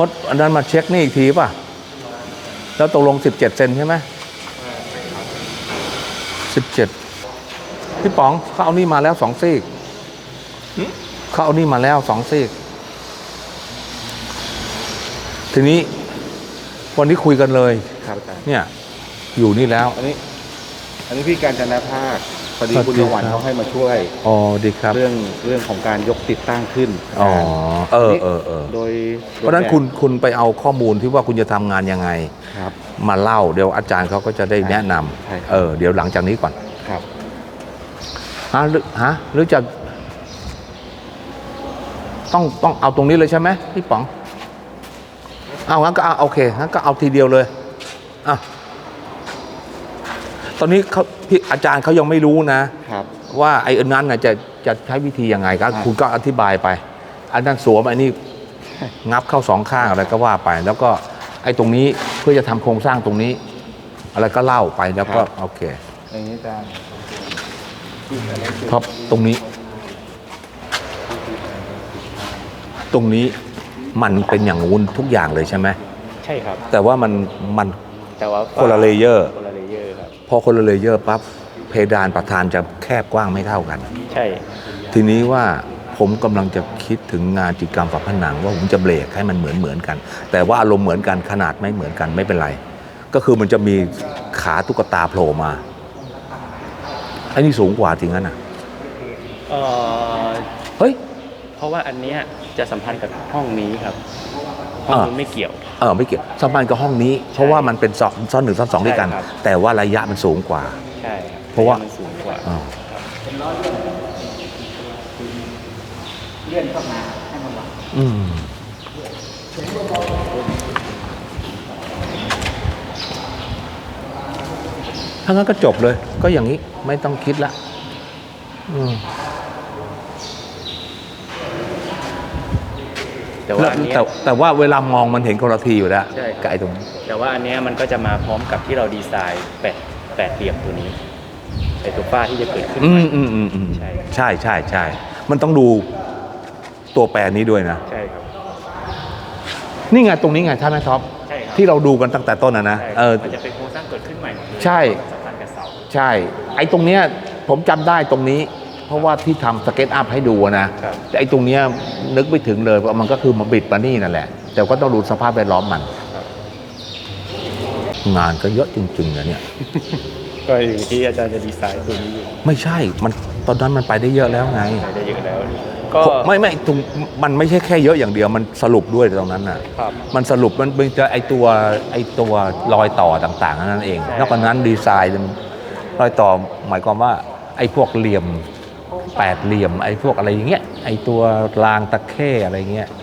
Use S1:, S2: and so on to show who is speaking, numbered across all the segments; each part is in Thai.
S1: ดอันนั้นมาเช็คนี่อีกทีป่ะแล้วตกลง17 เซนใช่ไหม17พี่ป๋องเขาเอานี่มาแล้ว2 ซีกเขาเอานี่มาแล้ว2 ซีกทีนี้วันนี้คุยกันเลย
S2: ครับอาจารย์
S1: เนี่ยอยู่นี่แล้ว
S2: อันนี้พี่การจนาภาคพอดีคุณยวันเขาให้มาช่วย
S1: อ๋อดีครับ
S2: เรื่องของการยกติดตั้งขึ้น
S1: อ๋อ
S2: โดย
S1: เพราะฉะนั้นคุณไปเอาข้อมูลที่ว่าคุณจะทำงานยังไง
S2: ครับ
S1: มาเล่าเดี๋ยวอาจารย์เขาก็จะได้แนะนำเดี๋ยวหลังจากนี้ก่อน
S2: ครับ
S1: หรือจะต้องเอาตรงนี้เลยใช่ไหมพี่ป๋องเอางั้นก็เอาโอเคงั้นก็เอาทีเดียวเลยอ่ะตอนนี้พี่อาจารย์เขายังไม่รู้นะครับว่าไอ้อันนั้นน่ะจะใช้วิธียังไงก็คุณก็อธิบายไปอันนั้นสวมไอ้นี่งับเข้า2 ข้างอะไรก็ว่าไปแล้วก็ไอ้ตรงนี้เพื่อจะทำโครงสร้างตรงนี้อะไรก็เล่าไปแล้วก็โอเค
S2: อย่างนี้อาจารย์
S1: ครับตรงนี้มันเป็นอย่างงู้นทุกอย่างเลยใช่ไหม
S2: ใช่ครับ
S1: แต่ว่ามันคนละเลเยอร์
S2: ครับ
S1: พอคนละเลเยอร์ปั๊บเพดานประธานจะแคบกว้างไม่เท่ากัน
S2: ใช่
S1: ทีนี้ว่าผมกำลังจะคิดถึงงานจิตรกรรมฝาผนังว่าผมจะเบรกให้มันเหมือนกันแต่ว่าอารมณ์เหมือนกันขนาดไม่เหมือนกันไม่เป็นไรก็คือมันจะมีขาตุ๊กตาโผล่มาไอ้นี่สูงกว่าจริงงั้นอ่ะเฮ้ย
S2: เพราะว่าอันเนี้ยจะสัมพันธ์กับห้องนี้ครับห้องนี้ไม่เกี่ยว
S1: ไม่เกี่ยวสัมพันธ์กับห้องนี้เพราะว่ามันเป็นซ้อน1 ซ้อน 2ด้วยกันแต่ว่าระยะมันสูงกว่า
S2: ใช่
S1: เพราะว่า
S2: มันสูงกว่าเลื่อนเข้ามาให้มันหลั
S1: งถ้างั้นก็จบเลยก็อย่างนี้ไม่ต้องคิดละแต่ว่าเวลามองมันเห็นคนละทีอยู่แล้วกับไอ้ตรงนี้
S2: แต่ว่าอันนี้มันก็จะมาพร้อมกับที่เราดีไซน์แปดเหลี่ยมตัวนี้ไอ้ตัวฝ้าที่จะเกิดขึ้น
S1: ใช่มันต้องดูตัวแปรนี้ด้วยนะ
S2: ใช่ครับ
S1: นี่ไงตรงนี้ไงท่านแม่ท็อปที่เราดูกันตั้งแต่ต้นนะ
S2: มันจะเป็นโครงสร้างเกิดขึ้นใหม่
S1: ใช่ใช่ไอ้ตรงเนี้ยผมจำได้ตรงนี้เพราะว่าที่ทำสเก็ตอัพให้ดูนะแต่ไอ้ตรงเนี้ยนึกไม่ถึงเลยว่ามันก็คือมาบิดมานี่นั่นแหละแต่ก็ต้องดูสภาพแวดล้อมมันงานก็เยอะจริงๆนะเนี่ย
S2: ก็อย่างที่อาจารย์จะดีไซน์ตัวนี้อยู่
S1: ไม่ใช่มันตอนนั้นมันไปได้เยอะแล้วไง
S2: ไปได้เยอะแล้วก็
S1: ไม่ตรงมันไม่ใช่แค่เยอะอย่างเดียวมันสรุปด้วยตรงนั้นน่ะมันสรุปมันจะไอตัวรอยต่อต่างๆนั่นเองนอกจากนั้นดีไซน์รอยต่อหมายความว่าไอพวกเหลี่ยม8 เหลี่ยมไอ้พวกอะไรอย่างเงี้ยไอ้ตัวรางตะเข้อะไรเงี้ย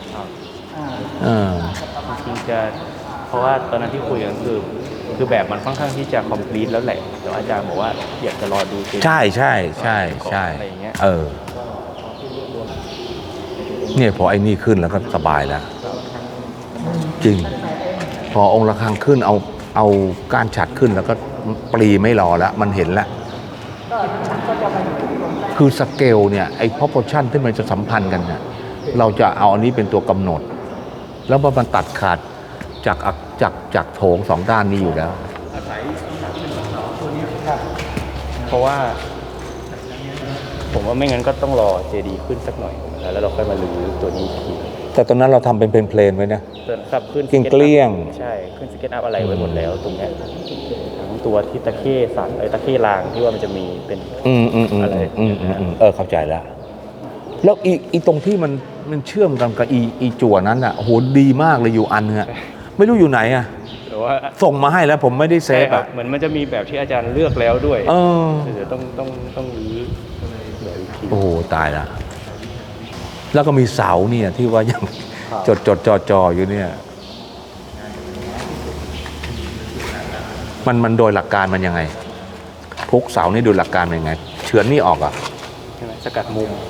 S2: จริงจะเพราะว่าตอนนั้นที่คุยกันคือแบบมันค่อนข้างที่จะคอมพลีทแล้วแหละแต่อาจารย์บอกว่าอยากจะรอดู
S1: ใช่
S2: อะไรอย่างเงี้ย
S1: เนี่ยพอไอ้นี่ขึ้นแล้วก็สบายแล้วจริงพอองค์ระฆังขึ้นเอาก้านฉัดขึ้นแล้วก็ปรีไม่รอแล้วมันเห็นแล้วคือสเกลเนี่ยไอ้ proportion ที่มันจะสัมพันธ์กันเนี่ยเราจะเอาอันนี้เป็นตัวกำหนดแล้วมันตัดขาดจากโถง2 ด้านนี้อยู่แล้ว
S2: เพราะว่าผมว่าไม่งั้นก็ต้องรอเจดีขึ้นสักหน่อยแล้วเราค่อยมาลื้อตัวนี้ที
S1: แต่ตอนนั้นเราทำเป็นเพลนไว้นะครับ
S2: ขึ้น
S1: เกลี้ยง
S2: ใช่ขึ้นสเก็ตอัพอะไรไว้หมดแล้วตรงนี้ตัวที่ตะเข้สันตะเข้รางที่ว่ามันจะมีเป็นอะไร
S1: เข้าใจแล้วอีตรงที่มันเชื่อมกันกับอีจั่วนั้นอ่ะโหดีมากเลยอยู่อันนึงไม่รู้อยู่ไหนอ่ะส่งมาให้แล้วผมไม่ได้เซฟอ่ะ
S2: เหมือนมันจะมีแบบที่อาจารย์เลือกแล้วด้วยเดี๋ยวต้องรื้อแบบอีกที
S1: โอ้โหตายละแล้วก็มีเสาเนี่ยที่ว่ายังจออยู่เนี่ยมันโดยหลักการมันยังไงพุกเสานี่โดยหลักการมันยังไงเฉือนนี่ออกอ่ะ
S2: ใช่ไหมสกัดมุม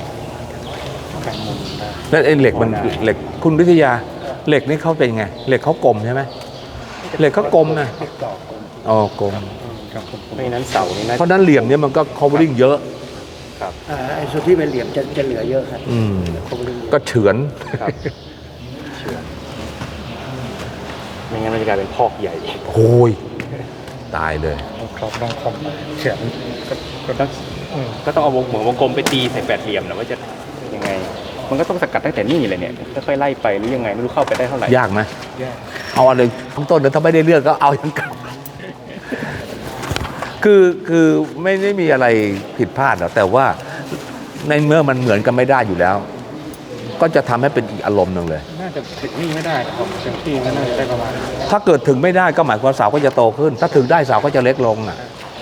S1: แล้วไอ้เหล็กมันเหล็กคุณวิทยาเหล็กนี่เขาเป็นไงเหล็กเขากลมใช่ไหมเหล็กเขากลมนะกลม
S2: ไม่นั้นเสานี่นะ
S1: เพราะนั้นเหลี่ยมเนี่ยมันก็ covering เยอะ
S2: ครับไอ้ส่วนที่เป็นเหลี่ยมจะเหลือเยอะครับ
S1: ก็เฉือน
S2: ไม่งั้นมันจะกลายเป็นพอกใหญ่
S1: โอ้ยตายเลย
S3: ครับต้องคอมเขียนก็ต้อง
S2: ก็ต้องเอาเหมือนวงกลมไปตีใส่แปดเหลี่ยมนะว่าจะยังไง มันก็ต้องสกัดตั้งแต่นี่เลยเนี่ยค่อยๆไล่ไปหรือยังไงไม่รู้เข้าไปได้เท่าไหร่
S1: ยากไหม
S3: แยก
S1: เอาอันหนึ่งทั้งต้นแล้วถ้าไม่ได้เลือกก็เอาอย่างเก่าคือไม่ได้มีอะไรผิดพลาดหรอกแต่ว่าในเมื่อมันเหมือนกันไม่ได้อยู่แล้ว ก็จะทำให้เป็นอีกอารมณ์หนึ่งเลย
S3: น่าจะถึงนี่ไม่ได้ครับเต็มที่ก็น่าจะได้ประมาณ
S1: ถ้าเกิดถึงไม่ได้ก็หมายความว่าเสาก็จะโตขึ้น ถ้าถึงได้เสาก็จะเล็กลงอ่ะ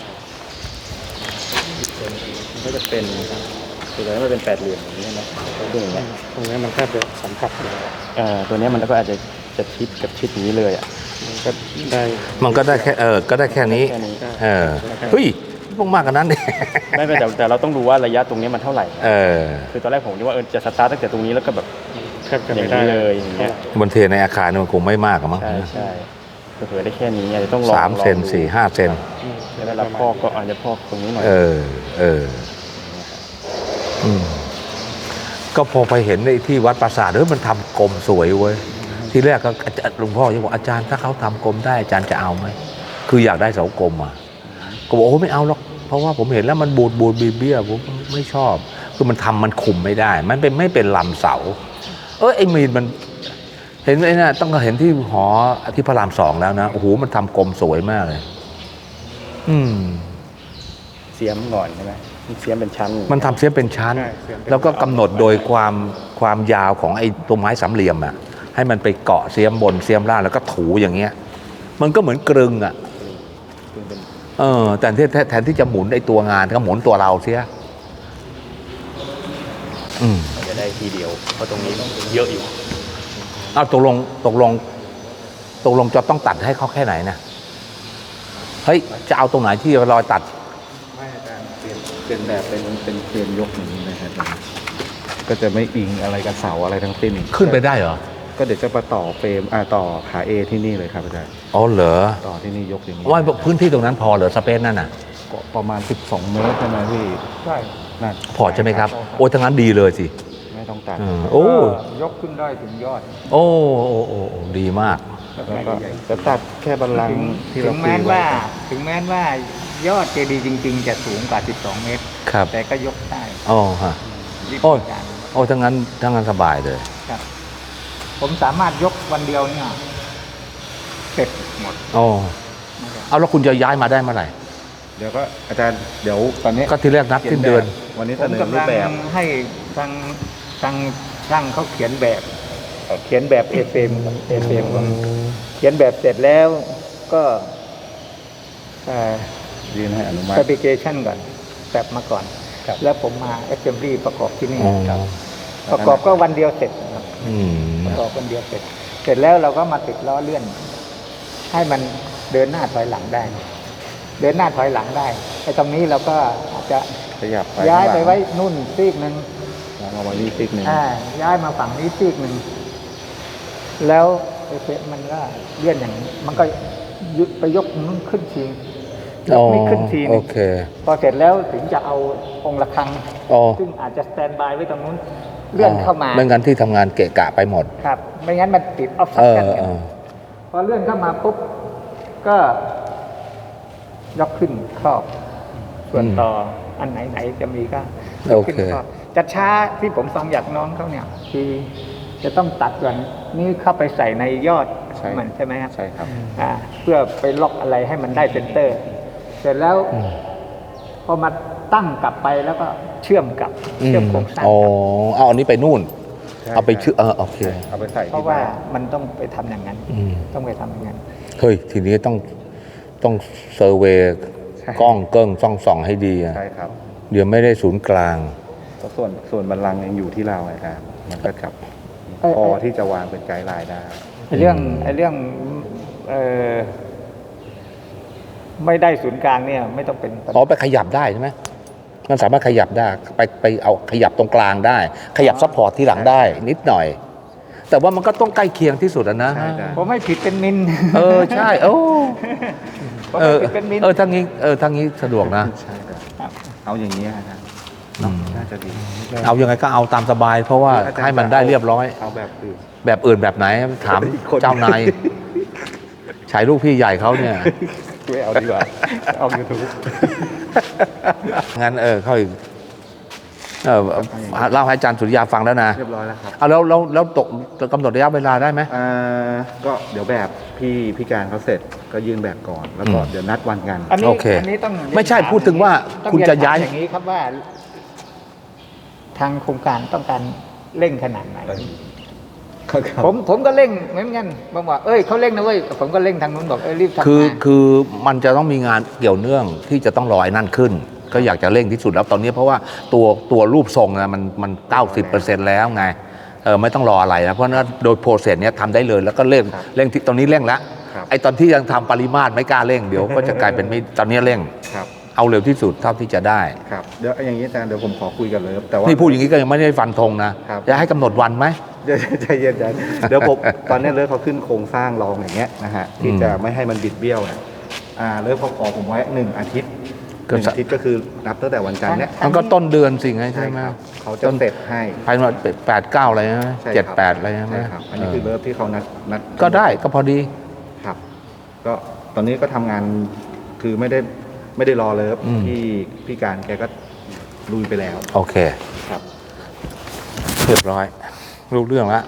S2: มันก็จะเป็นคือแล้วมันเป็นแปดเหลี่ยมอย่างนี้นะดูอย่างเงี้ย
S3: ตรงนี้มันแทบจะสัมผัสเลย
S2: ตัวเนี้ยมันก็อาจจะชิดกับชิดอย่างนี้เลยอ่ะ
S3: มันก็ได้
S1: มันก็ได้แค่ก็ได้แค่นี้
S2: แค่นี้
S1: เฮ้ยต้องมากกว่านั้นดิ
S2: ไม่เป็นแต่เราต้องดูว่าระยะตรงนี้มันเท่าไหร่ คือตอนแรกผมคิดว่าจะสตาร์ทตั้งแต่ตรงนี้แล้วก็แบบ
S3: แทบจะ
S2: อย่า
S3: ไม่
S2: ง
S3: ได้
S2: นี้เลยอย่างเงี้ย
S1: บนเทในอาคารเนี่ยมันคงไม่มากอะมั้ง
S2: ใช่เผื่อได้แค่นี้อาจจะต้องลอง
S1: 3 เซน
S2: ลองดู
S1: 4-5 เซน
S2: แล้วเวลาพอกก็อาจจะพอกตรงนี้หน่อย
S1: ก็พอไปเห็นในที่วัดปราสาทมันทำกลมสวยเว้ยที่แรกก็หลวงพ่อยังบอกอาจารย์ถ้าเขาทำกลมได้อาจารย์จะเอาไหมคืออยากได้เสากลมอ่ะก็บอกโอ้ไม่เอาหรอกเพราะว่าผมเห็นแล้วมันบูดเบี้ยผมไม่ชอบคือมันทำมันคุมไม่ได้ มันเป็นไม่เป็นลำเสาไอ้มีนมันเห็นไอ้น่ะต้องเห็นที่หอที่พระราม 2แล้วนะโอ้โหมันทำกลมสวยมากเลย
S2: เสียมก่อนใช่ไหมเสียมเป็นชั้น
S1: มันทำเสียเป็นชั้น แล้วก็กำหนดโดยความยาวของไอ้ตัวไม้สามเหลี่ยมอ่ะให้มันไปเกาะเสียมบนเสียมล่างแล้วก็ถูอย่างเงี้ย มันก็เหมือนกรึงอ่ะ
S2: เป็น
S1: แต่แทนที่จะหมุนไอ้ตัวงานก็หมุนตัวเราเสีย
S2: มันจะได้ทีเดียวเพราะตรงนี้เยอะอยู่
S1: เอาตกลงจะต้องตัดให้เขาแค่ไหนนะเฮ้ยจะเอาตรงไหนที่รอยตัด
S3: ไม่อาจารย์เป็นแบบเป็นเฟรมยกอย่างนี้นะครับก็จะไม่อิงอะไรกับเสาอะไรทั้งสิ้น
S1: ขึ้นไปได้เหรอ
S3: ก็เดี๋ยวจะมาต่อเฟรมต่อขาเอที่นี่เลยครับอาจารย์
S1: อ๋อเหรอ
S3: ต่อที่นี่ยกอย่างนี้
S1: ว่าพื้นที่ตรงนั้นพอเหรอสเปซนั่นน่ะ
S3: ก็ประมาณ12 เมตรใช่ไหมพี่ใช่นั่น
S1: พอใช่ไหมครับ โอ้ทั้งนั้นดีเลยสิ
S3: ไม่ต้องตัด
S1: โอ้
S3: ยกขึ้นได้ถึงยอด
S1: โอ้ดีมาก
S3: แล้วก็จะตัดแค่บัลลังก์ที่เรา
S4: ถึงแม้ว่ายอดเจดีย์จริงๆ จะสูงกว่า 12 เมตร
S1: ครับ
S4: แต่ก็ยกได้
S1: อ๋อฮะ
S4: รีบ
S1: โอ้ย
S4: การ
S1: โอ้ทั้งนั้นสบายเลย
S4: ครับ ผมสามารถยกวันเดียวเนี่ยเสร็จหมด
S1: โอ้เอาแล้วคุณจะย้ายมาได้เมื่อไหร่
S3: เดี๋ยวก็อาจารย์เดี๋ยวตอนนี้
S1: ก็ที่แรกนัดสิ้นเดือน
S3: วันนี้
S4: ผ
S3: เส
S4: ม
S3: นอรู
S4: กำลั
S3: ป
S4: ง
S3: แบบ
S4: ให้ทางช่างเขาเขียนแบบเอเฟมก่อนเขียนแบบเสร็จแล้วก็
S3: ยื่นให้อนุมัติ
S4: fabrication ก่อนแบบมาก่อน แล้วผมมา assembly ประกอบที่นี่
S1: อ๋อ
S4: ครับประกอบก็วันเดียวเสร็จครับ
S1: อืม
S4: ประกอบวันเดียวเสร็จ เสร็จแล้วเราก็มาติดล้อเลื่อน ให้มันเดินหน้าถอยหลังได้ เดินหน้าถอยหลังได้ไอ้ตรงนี้เราก็อาจจะ
S3: ขยับไป
S4: ย้ายไปไว้นู่นซีกหนึ่ง
S3: เอาไว้นี่ซิกหนึ่ง
S4: ย้ายมาฝั่งนี้ซีกหนึ่งแล้วไอ้เฟซมันก็เลื่อนอย่างนี้มันก็ยึดไปยกนู้นขึ้นทียกนี้ขึ้นทีห
S1: โอ
S4: นึง
S1: เค
S4: พอเสร็จแล้วถึงจะเอาองค์ระฆัง
S1: อ๋อ
S4: ซึ่งอาจจะสแตนบายไว้ตรงนู้นเลื่อนเข้ามา
S1: ไม่งั้นที่ทำงานเกะกะไปหมด
S4: ครับ ไม่งั้นมันติดออฟซับกันกันพอเลื่อนเข้ามาปุ๊บก็ยกขึ้นครอบ ส่วนต่ออันไหนจะมีก็ยกขึ้นครอบจะช้าที่ผมฟังอยากน้องเขาเนี่ยคือจะต้องตัดส่วนนี้เข้าไปใส่ในยอดของมันใช่ไหมครับ
S3: ใช่ครับ
S4: เพื่อไปล็อกอะไรให้มันได้เซนเตอร์ เสร็จแล้วพอมาตั้งกลับไปแล้วก็เชื่อมกับเชื่อมโครงสร้าง
S1: อ๋อ
S4: กับ
S1: เอาอันนี้ไปนู่น
S3: ใช่
S1: เอาไปชื่อโอเค
S3: เอาไปใส่
S4: เพราะว่ามันต้องไปทำอย่างนั้น
S1: อืม
S4: ต้องไปทำอย่างนั้น
S1: เฮ้ย ทีนี้ต้องเซอร์เวย์กล้องเกิ้งส่องให้ดีอะ
S3: ใช่ครับ
S1: เดี๋ยวไม่ได้ศูนย์กลาง
S3: เพราะส่วนบัลลังก์ยังอยู่ที่เราอาจารย์มันก็จับพอที่จะวางเป็นไกด์ไลน์ได้
S4: ไอ้เรื่องไม่ได้ศูนย์กลางเนี่ยไม่ต้องเป็นปัญหา
S1: อ๋อไปขยับได้ใช่ไหมมันสามารถขยับได้ไปเอาขยับตรงกลางได้ ขยับซัพพอร์ตที่หลังได้ นิดหน่อย แต่ว่ามันก็ต้องใกล้เคียงที่สุดอะนะ
S3: ใช่ได้
S4: ผมไม่ผิดเป็นมิล
S1: ใช่ โอ้
S4: ผมไม่ผิดเป็นมิล
S1: ทั้งนี้สะดวกนะ
S3: ใช่ครับเอาอย่างนี้อาจารย์
S1: อืม
S3: น่าจะดี
S1: เอายังไงก็เอาตามสบาย เพราะว่า
S3: อาจารย์
S1: ให้มันได้เรียบร้อย
S3: เอาแบบอื่น
S1: แบบอื่นแบบไหนถาม
S3: อีกคน
S1: เจ้านายฉายลูกพี่ใหญ่เขาเนี่ย
S2: ไม่เอาดีกว่าเอา YouTube
S1: งั้นเขาเล่าให้อาจารย์สุริยาฟังแล้วนะ
S3: เรียบร้อยแล้วครับ
S1: เอาแล้วตกกำหนดระยะเวลาได้ไหม
S3: ก็เดี๋ยวแบบพี่การเขาเสร็จก็ยื่นแบบก่อน แล้วก็
S1: อืม
S3: เดี๋ยวนัดวันกัน
S4: อันนี้
S1: โอเค
S4: อันนี้ต้อง
S1: ไม่ใช่พูดถึงว่า
S4: ต้อง
S1: คุณจะย้าย
S4: เรีนถมอย่างนี้ครับว่า ทางโครงการต้องการเร่งขนาดไหน ผมก็เร่งเหมือนกันบอกว่าเขาเร่งนะเว้ยผมก็เร่งทางนู้นบอกรีบทำงาน
S1: คือมันจะต้องมีงานเกี่ยวเนื่องที่จะต้องรอไอ้นั่นขึ้น ก็อยากจะเร่งที่สุดแล้วตอนนี้เพราะว่าตัวรูปทรงนะมัน90%แล้วไงไม่ต้องรออะไรนะเพราะฉะนั้นโดยโปรเซสเนี้ยทำได้เลยแล้วก็เร่งที่ตอนนี้เร่งแล้ว
S3: ครับ
S1: ไอ้ตอนที่ยังทำปริมาตรไม่กล้าเร่งเดี๋ยวก็จะกลายเป็นไม่ตอนนี้เร่ง
S3: ครับ
S1: เอาเร็วที่สุดเท่าที่จะได้
S3: ครับเดี๋ยวอย่างนี้อาจารย์เดี๋ยวผมขอคุยกันเลยแต่ว่า
S1: นี่พูดอย่างนี้ก็ยังไม่ได้ฟันธงนะครับ จะให้กำหนดวันไหม
S3: ใจเย็นๆเดี๋ยวผมตอนนี้เลิฟเขาขึ้นโครงสร้างรองอย่างเงี้ยนะฮะที่จะไม่ให้มันบิดเบี้ยวนะเลิฟเขาขอผมไว้1 อาทิตย์หนึ่งอาทิตย์ก็คือนับตั้งแต่วันจันทร์เนี้ย
S1: มันก็ต้นเดือนสิไงใช่ไหม
S3: ครับเขาจะเสร็จให้
S1: ภายใน8-9อะไรนะ
S3: ใช่ครับ
S1: 7-8อะไรใช่ไหม
S3: ใช่ครับอันนี้คือเลิฟที่เขานัด
S1: ก็ได้ก็พอดี
S3: ครับ ก็ตอนนี้ก็ทำงานคือไม่ได้รอเลิฟ
S1: อืม
S3: ที่พี่การแกก็ลุยไปแล้ว
S1: โอเค
S3: ครับ
S1: เรียบร้อยรู้เรื่องแล้ว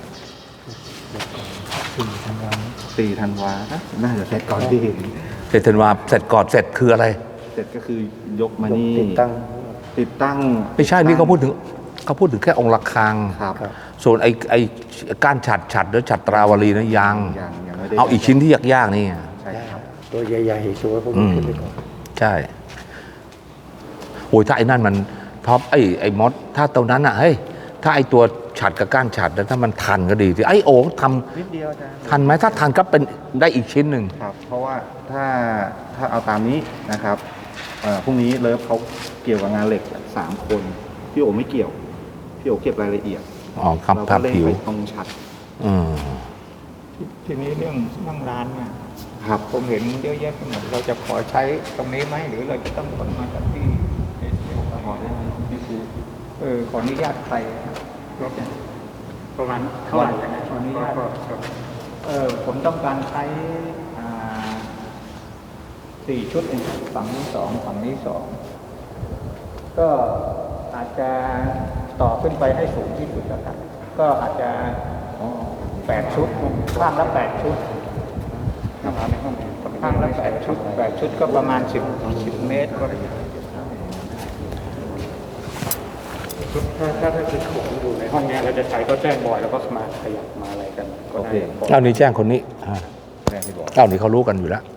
S3: 4 ธันวาน่าจะเสร็จก่อนที่เห็น
S1: เสร็จธันวาเสร็จก่อนเสร็จคืออะไร
S3: เสร็จก็คือยกมานี่
S4: ติดตั้ง
S1: ไม่ใช่นี่เขาพูดถึงแค่องค์ระฆัง
S3: ครับ
S1: ส่วนไอ้ก้านฉัดหรือฉัตราวลีนะยัง
S3: ยังไม่ได้
S1: เอาอีกชิ้นที่ยากๆนี่
S3: ใช่ครับ
S4: ตัวใหญ่ๆชัวร์พวก
S1: อื
S4: นี้
S1: ม
S4: ขึ้นไปก่อน
S1: ใช่โอ้ยถ้าไอ้นั่นมันท็อปไอ้มดถ้าตรงนั้นอ่ะเฮ้ยถ้าไอ้ตัวฉัดกับก้านฉัดถ้ามันทันก็ดีที่ไอ้โอ้ท
S3: นิดเดียวอาจารย์
S1: ำทันไหมถ้าทันก็เป็นได้อีกชิ้นหนึ่ง
S3: ครับ เพราะว่าถ้าเอาตามนี้นะครับพรุ่งนี้เลิฟเขาเกี่ยวกับงานเหล็ก3 คนพี่โอไม่เกี่ยวพี่โอเก็บรายละเอียด
S1: อ๋อ
S3: เรา
S1: ค
S3: ก็
S1: รับ
S3: เล่น
S1: ผิว
S3: ไปตรงชัด
S1: อืม
S4: ทีนี้เรื่องนั่งร้านเนี่ย
S3: ครับ
S4: ผมเห็นเยอะแยะไปหมดเราจะขอใช้ตรงนี้ไหมหรือเราจะต้องขนมาจากที่ขอได้ไหมนี่คือขออนุญาตใครรถเนี่ยประมาณเท่าไหร่นะขออนุญาตผมต้องการใช้4 ชุดเองฝั่งนี้2ฝั่งนี้2ก็อาจจะต่อขึ้นไปให้สูงที่สุดแล้วกันก็อาจจะ8 ชุดข้างละ8 ชุดข้างละ8 ชุด8 ชุดก็ประมาณ10 เมตรก็
S2: ถ้าคือของอยู่ในห้องเนี้ยเราจะใช้ก็แจ้งบอยแล้วก็มาขยับมาอะไรกันก็
S3: โอ
S2: ได้
S3: เค
S1: เอานี่แจ้งคนนี้
S3: แม่ที่บอก
S1: เอานี่เขารู้กันอยู่แล้ว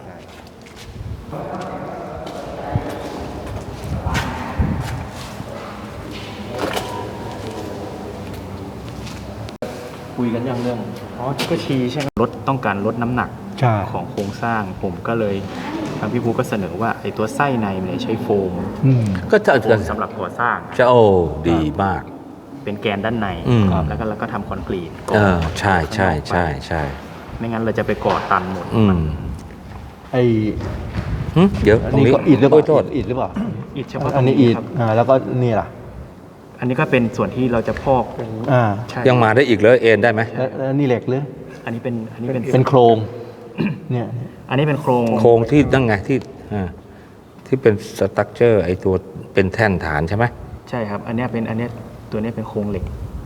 S3: คุยกันยังเรื่อง
S2: อ๋อก็ชี้ใช่ไหมต้องการลดน้ำหนัก
S3: ใช่
S2: ของโครงสร้างผมก็เลยทางพี่ภูก็เสนอว่าไอ้ตัวไส้ในมันใช้โฟม
S1: ก็จะ
S2: โฟมสำหรับก่อสร้าง
S1: จะโอ้ดีมาก
S2: เป็นแกนด้านใน
S1: อืม
S2: แล้วก็ทำคอนกรีตก่
S1: ใช่ใช่ใช่ใช่
S2: ไม่งั้นเราจะไปก่อตันหมด
S1: อืม
S5: ไอ้
S1: เดี๋ยว
S5: อัน
S1: ตรง
S5: นี้
S1: นี้
S5: ก็อิฐหรือเปล่า
S1: โทษ
S5: อิฐหรือเปล่า
S2: อิฐเฉพาะต
S5: อั
S2: ร
S5: น
S2: ง
S5: นี้
S2: นี้
S5: อิฐ
S2: ครับ
S5: แล้วก็นี่ล่ะ
S2: อันนี้ก็เป็นส่วนที่เราจะพอก
S5: อ่า
S2: ใช่
S1: ยังมาได้อีกเลยเอ็นได้ไหม
S5: แล้วนี่เหล็กหรือ
S2: อันนี้เป็น
S5: เป็นโครงเนี่ย
S2: อันนี้เป็นโครง
S1: โครงที่นั่งไงที่เป็นสตั๊กเจอร์ไอตัวเป็นแท่นฐานใช่ไหม
S2: ใช่ครับ อันนี้ตัวนี้เป็นโครงเหล็ก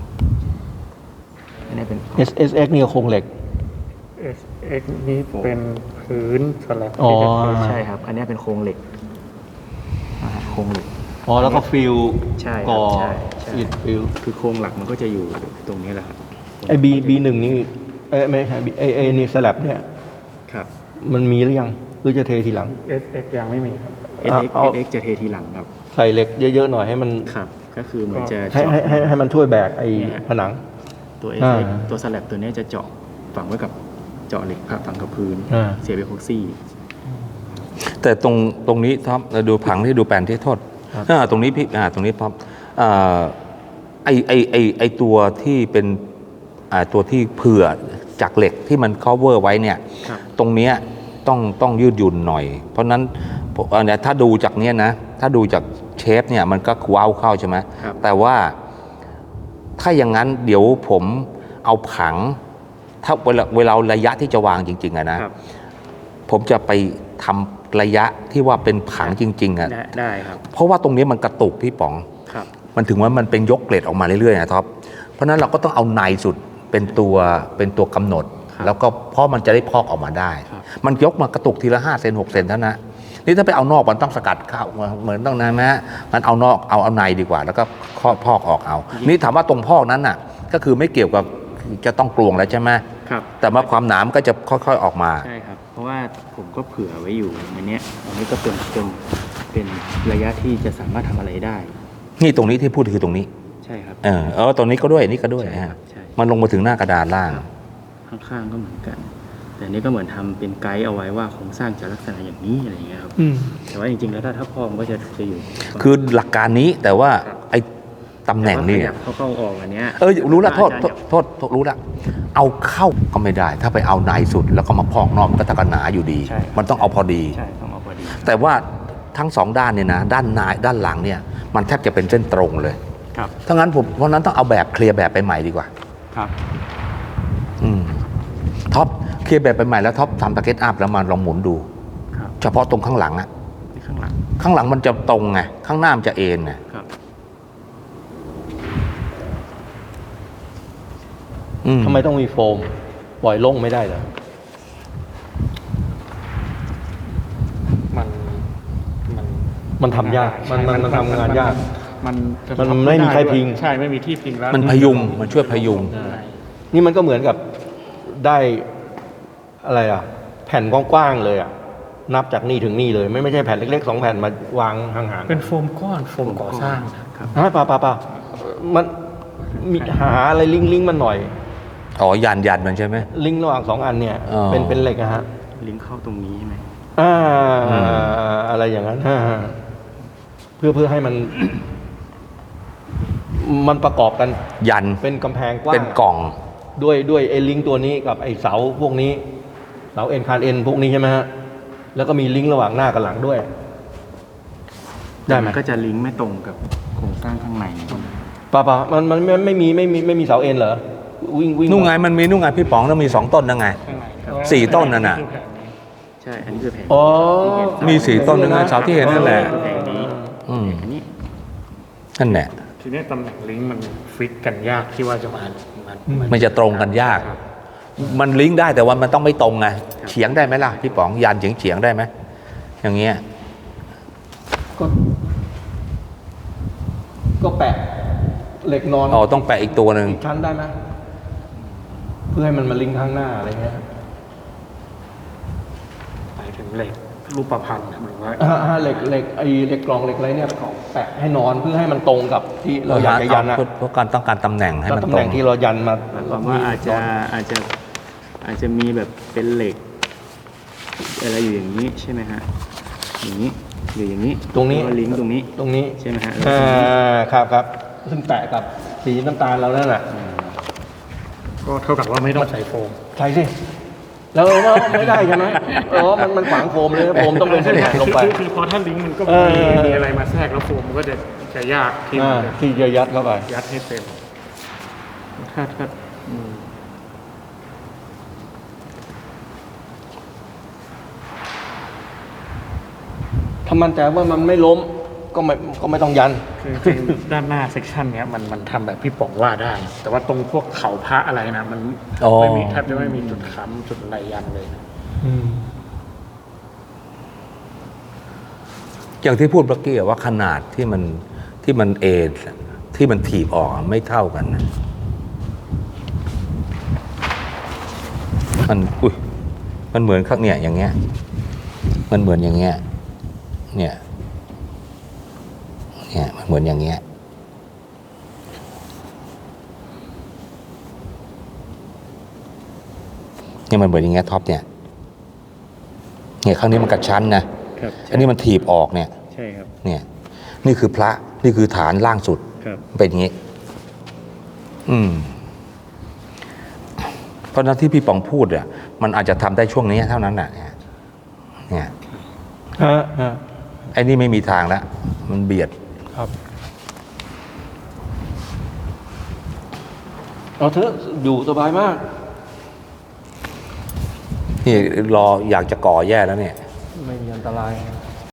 S2: อันนี้เป็น
S5: SSX นี่ก็โครงเหล็ก
S4: SX นี้เป็นพื้นสลับ
S5: อ๋อ
S2: ใช่ครับ อันนี้เป็นโครงเหล็กโครงเหล็ก
S5: อ๋อแล้วก็ฟิล
S2: ใช่ครับ
S5: ก่อ
S2: ใช่ใช่
S5: อิฐฟิล
S2: คือโครงหลักมันก็จะอยู่ตรงนี้แหละครับ
S5: ไอ้B1นี่ไม่ใช่ไอ้นี่สลับเนี่ย
S2: ครับ
S5: มันมีหรือยังหรือจะเททีหลัง
S4: SX ยังไม่มีครับ
S2: SX
S5: เอา
S2: SX จะเททีหลังครับ
S5: ใส่เหล็กเยอะๆหน่อยให้มัน
S2: ครับ ก็คือเหมือนจะ
S5: ให้
S2: เจาะ
S5: ให้มันช่วยแบกไอ้ผนัง
S2: ตัว
S5: อ่า
S2: SX ตัวสแลบตัวนี้จะเจาะฝังไว้กับเจาะเหล็กฝังกับพื้น
S5: อ่า
S2: เสียบเอพ็อกซี่
S1: แต่ตรงนี้ท็อปเราดูผังที่ดูแปลนที่โทษตรงนี้พี่ตรงนี้ท็อปไอตัวที่เป็นตัวที่เผื่อจากเหล็กที่มัน cover ไว้เนี่ย
S2: ครับ
S1: ตรงเนี้ยต้องยืดหยุ่นหน่อย เพราะนั้นเนี่ยถ้าดูจากเนี้ยนะถ้าดูจากเชฟเนี่ยมันก็ว้าวเข้าใช่ไหม
S2: ครับ
S1: แต่ว่าถ้าอย่างนั้นเดี๋ยวผมเอาผัง ถ้าเวลาระยะที่จะวางจริงๆอะนะผมจะไปทำระยะที่ว่าเป็นผังจริงๆอ่ะ
S2: ได้ครับ
S1: เพราะว่าตรงนี้มันกระตุกพี่ป๋อง
S2: ครับ
S1: มันถึงว่ามันเป็นยกเกรดออกมาเรื่อยๆนะท็อปเพราะฉะนั้นเราก็ต้องเอาในสุดเป็นตัวกำหนด แล้วก็เพราะมันจะได้พอกออกมาได้ มันยกมากระตุกทีละ5 เซน6 เซนเท่านั้นนี่ถ้าไปเอานอกมันต้องสกัดเข้าเหมือนต้องนะมันเอานอกเอาในดีกว่า แล้วก็พอกออกเอา นี่ถามว่าตรงพอกนั้นน่ะก็คือไม่เกี่ยวกับจะต้องกลวงแล้วใช่ไหม
S2: ครับ
S1: แต่ว่าความหนามก็จะค่อยๆออกมา
S2: ใช่ครับ เพราะว่าผมก็เผื่อไว้อยู่อันเนี้ยอันนี้ก็เป็นระยะที่จะสามารถทำอะไรได้
S1: นี่ตรงนี้ที่พูดคือตรงนี้
S2: ใช่ครับ
S1: ตรงนี้ก็ด้วยนี่ก็ด้วย
S2: ใช่ครั
S1: ฮะ
S2: บใช่
S1: มันลงมาถึงหน้ากระดานล่าง
S2: ข้างๆก็เหมือนกัน แต่อันนี้ก็เหมือนทำเป็นไกด์เอาไว้ว่าโครงสร้างจะลักษณะอย่างนี้อะไรอย่างเงี้ยครับ แต่ว่าจริงๆแล้วถ้าพ่อมันก็จะอยู่
S1: คือหลักการนี้แต่ว่าไอ้ตำแหน่งนี่
S2: แต่ว่าขยับเข้าออกอันเนี้ย
S1: รู้ละโทษ
S2: อาจารย์
S1: โทษรู้ละเอาเข้าก็ไม่ได้ ถ้าไปเอาในสุดแล้วก็มาพอกนอกมันก็ตะกันหนาอยู่ดี
S2: ใช่ครับ
S1: มันต้องเอาพอดี
S2: ใช่ต้องเอาพอดี
S1: แต่ว่าทั้งสองด้านเนี่ยนะด้านในด้านหลังเนี่ยมันแทบจะเป็นเส้นตรงเลย
S2: ครับ
S1: ถ้างั้นเพราะนั้นต้องเอาแบบเคลียร์แบบไปใหม่ดีกว่า
S2: ครับ
S1: ท็อปเคลียร์แบบไปใหม่แล้วท็อปทำสเก็ตอัพแล้วมาลองหมุนดู
S2: ครับ
S1: เฉพาะตรงข้างหลังอะ
S2: ที่ข้างหลัง
S1: ข้างหลังมันจะตรงไงข้างหน้ามันจะเอ็นไง
S2: ครับ
S5: ทำไมต้องมีโฟม ปล่อยโล่งไม่ได้เหรอ มันทำยาก มันทำงานยาก มันไม่มีใครพิง
S6: ใช่ไม่มีที่พิงแล้ว
S1: มันพยุงมันช่วยพยุง
S5: นี่มันก็เหมือนกับได้อะไรอ่ะ แผ่นกว้างๆเลยอ่ะ นับจากนี่ถึงนี่เลย ไม่ใช่แผ่นเล็กๆ2 แผ่นมาวางห่างๆ
S6: เป็นโฟมก้อนโฟมก่อสร้าง
S2: ครับ
S5: เปล่ามันมีหาอะไรลิงก์มันหน่อย
S1: อ๋อยันมันใช่ไหม
S5: ลิงก์ระหว่าง2 อันเนี่ย
S1: อ๋อ
S5: เป็นเหล็กอะฮะ
S2: ลิงก์เข้าตรงนี้ใช่ไหม
S5: อะไรอย่างนั้นเพื่อให้มัน มันประกอบกัน
S1: ยัน
S5: เป็นกำแพงกว้าง
S1: เป็นกล่อง
S5: ด้วยไอ้ลิงก์ตัวนี้กับไอ้เสาพวกนี้ เสาเอ็นคานเอ็นพวกนี้ใช่ไหมฮะ แล้วก็มีลิงก์ระหว่างหน้ากับหลังด้วย ได้ไหม
S2: นก็จะลิงก์ไม่ตรงกับโครงสร้างข้างใน
S5: ป่ามันไม่มีเสาเอ็นเหรอวิ่ง
S1: นู่นไงมันมีนู่นไงพี่ป๋องต้องมี2 ต้นนั่นไง4 ต้นนั่นน่ะ
S2: ใช่ อันนี้คือแผง
S5: อ๋อ
S1: มี4 ต้นนั่นไงเสาที่เห็นนั่นแหละ
S2: แผงนี้
S1: อืม
S2: อันนี้
S1: นั่นแหละ
S6: ทีนี้ตำแหน่งลิงก์มันฟิตกันยากที่ว่าจะมา
S1: มันจะตรงกันยาก มันลิงก์ได้แต่ว่ามันต้องไม่ตรงไงเฉียงได้ไหมล่ะพี่ป๋องยันเฉียงได้ไหมอย่างเงี้ย
S5: ก็แปะเหล็กนอน
S1: อ๋อต้องแปะอีกตัวหนึ่ง
S5: อีกชั้นได้ไหมเพื่อให้มันมาลิงก์ข้างหน้าอะไรเงี้ย
S6: ไปถึงเหล็กรูปพันธ์หรือว่า
S5: เหล็กไอ้เหล็กกล่องเหล็กอะไรเนี่ยแปะให้นอนเพื่อให้มันตรงกับที่เราอยากจะยันนะ
S1: เพราะการต้องการตำแหน่งให้
S5: แล้ว
S1: มัน
S5: ตำ
S1: ต
S5: แห
S1: ร
S5: น่
S1: ง
S5: งที่เรายันมา
S2: หมายความว่าอาจจะมีแบบเป็นเหล็กอะไรอยู่อย่างนี้ใช่ไหมฮะ อย่างนี้หรืออย่างนี้
S5: ตรงนี้
S2: แล้วก็ลิงก์ตรงนี้
S5: ตรงนี้
S2: ใช่ไหมฮะแล้วก็ตรงนี้
S5: ครับซึ่งแปะกับสีน้ำตาลเรานั่นแหละ
S6: ก็เท่ากับว่าไม่ต้องใส่โฟม
S5: ใช่สิแล้วไม่ได้ใช่ไหมมันขวางโฟมเลยโฟมต้องเป็นเส้นผ่านลงไป
S6: คือพอถ้าลิงก์มันก็
S5: เออ
S6: มีอะไรมาแทรกแล้วโฟมมันก็จะยากที่มันจะ
S5: ที่จะยัดเข้าไป
S6: ยัดให้เต็มถ้า
S5: ถ้ามั่นใจว่ามันไม่ล้มก็ไม่ต้องยัน
S6: คือจริงๆด้านหน้าเซกชันเนี้ยมันทำแบบพี่ป๋องว่าได้ แต่ว่าตรงพวกเขาพระอะไรนะมัน
S1: อ๋อ
S6: ไม่มีแทบจะไม่มีจุดค้ำจุดอะไรยันเลยนะ
S1: อย่างที่พูดเมื่อกี้ว่าขนาดที่มันเอ็นที่มันถีบออกไม่เท่ากันนะมันเหมือนข้างเนี่ยอย่างเงี้ยมันเหมือนอย่างเงี้ยเนี่ยมันเหมือนอย่างเงี้ยเนี่ยมันเหมือนอย่างเงี้ยท็อปเนี่ยข้างนี้มันกระชั้นนะครับ อันนี้มันถีบออกเนี่ย
S2: ใช่ครับ
S1: เนี่ยนี่คือพระนี่คือฐานล่างสุด
S2: ครับ
S1: เป็นอย่างนี้เพราะฉะนั้นที่พี่ป๋องพูดอ่ะมันอาจจะทำได้ช่วงนี้เท่านั้นแหละเนี่ยไอ้นี่ไม่มีทางแล้วมันเบียด
S5: ครับเอาเถอะอยู่สบายมาก
S1: นี่รออยากจะก่อแย่แล้วเนี่ย
S5: ไม่มีอันตราย